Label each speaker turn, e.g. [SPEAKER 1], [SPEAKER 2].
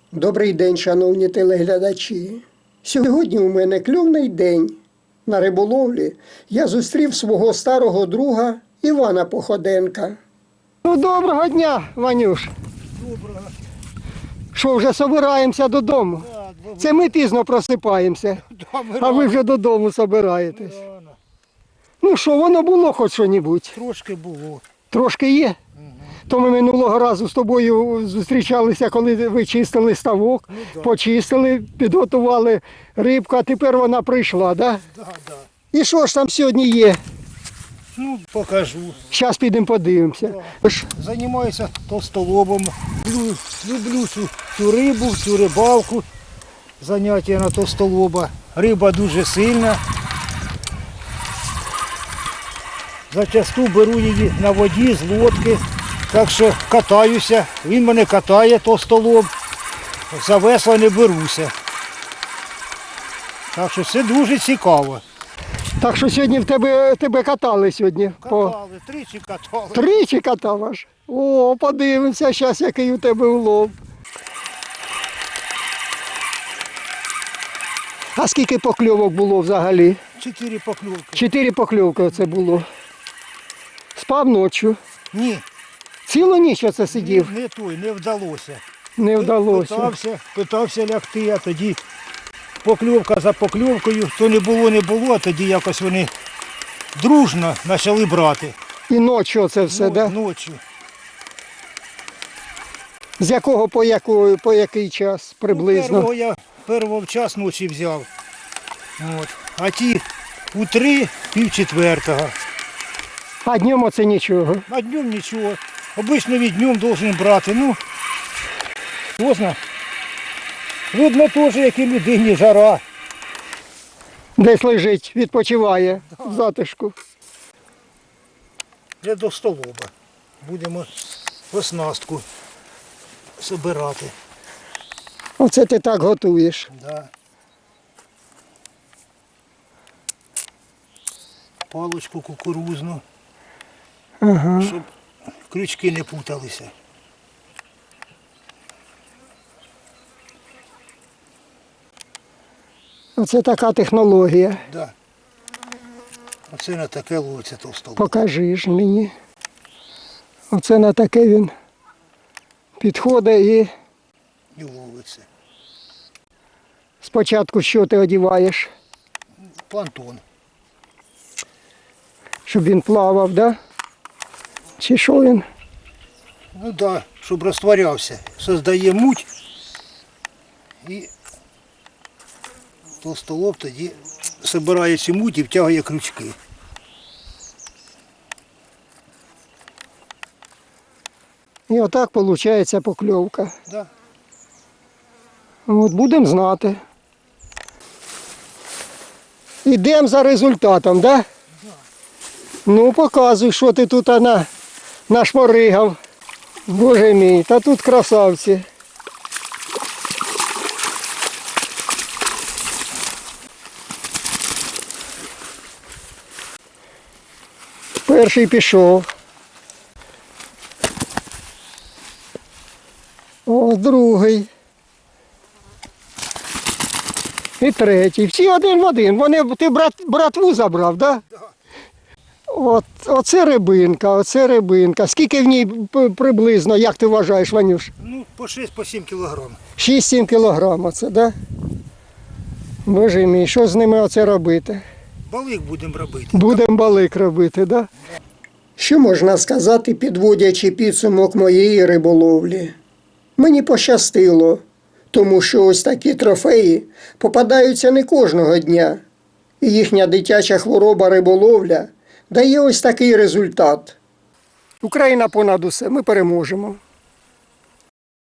[SPEAKER 1] Добрий день, шановні телеглядачі. Сьогодні у мене кльовний день. На риболовлі я зустрів свого старого друга Івана Походенка. Ну, доброго дня, Ванюш.
[SPEAKER 2] Доброго.
[SPEAKER 1] Що, вже собираємося додому?
[SPEAKER 2] Да,
[SPEAKER 1] Це ми пізно просипаємося, а ви вже додому собираєтесь.
[SPEAKER 2] рано.
[SPEAKER 1] Ну що, воно було хоч що-небудь?
[SPEAKER 2] Трошки було.
[SPEAKER 1] Трошки є? То ми минулого разу з тобою зустрічалися, коли ви чистили ставок,
[SPEAKER 2] да.
[SPEAKER 1] почистили, підготували рибку, а тепер вона прийшла, так?
[SPEAKER 2] Да, да.
[SPEAKER 1] І що ж там сьогодні є?
[SPEAKER 2] Ну, покажу.
[SPEAKER 1] Зараз підемо подивимося.
[SPEAKER 2] Займаюся товстолобом. Люблю цю рибу, цю рибалку. Заняття на товстолоба. Риба дуже сильна. Зачасту беру її на воді з лодки. Так що катаюся. Він мене катає, товстолоб. За весла не беруся. Так що це дуже цікаво.
[SPEAKER 1] Так що сьогодні тебе катали сьогодні?
[SPEAKER 2] Катали, тричі катали.
[SPEAKER 1] Тричі катав аж? О, подивимося зараз, який у тебе улов. А скільки покльовок було взагалі?
[SPEAKER 2] 4 покльовки.
[SPEAKER 1] 4 покльовки оце було. Спав ночі.
[SPEAKER 2] Ні,
[SPEAKER 1] Цілу ніч оце сидів?
[SPEAKER 2] не вдалося.
[SPEAKER 1] Не вдалося.
[SPEAKER 2] Питався лягти, а тоді покльовка за покльовкою. То не було, а тоді якось вони дружно почали брати.
[SPEAKER 1] І ночі оце все, так? Да?
[SPEAKER 2] Ночі.
[SPEAKER 1] З якого по який час приблизно?
[SPEAKER 2] Першого в час ночі взяв. От. А ті у 3, пів-4.
[SPEAKER 1] А днем оце нічого.
[SPEAKER 2] А днем нічого. Обично від днем должен брати. Ну, поздно. Видно теж, як і людині жара.
[SPEAKER 1] Десь лежить, відпочиває в затишку.
[SPEAKER 2] Вже до столоба. Будемо оснастку збирати.
[SPEAKER 1] Оце ти так готуєш.
[SPEAKER 2] Да. Палочку кукурузну,
[SPEAKER 1] Ага.
[SPEAKER 2] щоб крючки не путалися.
[SPEAKER 1] Оце така технологія.
[SPEAKER 2] Да. Оце на таке ловиться товстолоб.
[SPEAKER 1] Покажи ж мені. Оце на таке він підходить і
[SPEAKER 2] І ловиться.
[SPEAKER 1] спочатку що ти одіваєш?
[SPEAKER 2] Планктон.
[SPEAKER 1] Щоб він плавав, да? Чи що він?
[SPEAKER 2] Ну да, щоб розтворявся. Создає муть і товстолоб тоді збирає цю муть і втягує крючки.
[SPEAKER 1] І отак виходить покльовка.
[SPEAKER 2] Да.
[SPEAKER 1] От будемо знати. Ідемо за результатом, да? Ну, показуй, що ти тут нашморигав. Боже мій, та тут красавці. Перший пішов. О, другий. І третій. Всі один в один. Ти братву забрав, так? Да? Оце рибинка. Скільки в ній приблизно, як ти вважаєш, Ванюш?
[SPEAKER 2] Ну, по 6-7 кілограм.
[SPEAKER 1] 6-7 кілограм оце, так? Да? Боже мій, що з ними оце робити?
[SPEAKER 2] Балик будемо робити.
[SPEAKER 1] Будемо балик робити, так? Да? Що можна сказати, підводячи підсумок моєї риболовлі? Мені пощастило, тому що ось такі трофеї попадаються не кожного дня. І їхня дитяча хвороба риболовля дає ось такий результат. Україна понад усе, ми переможемо.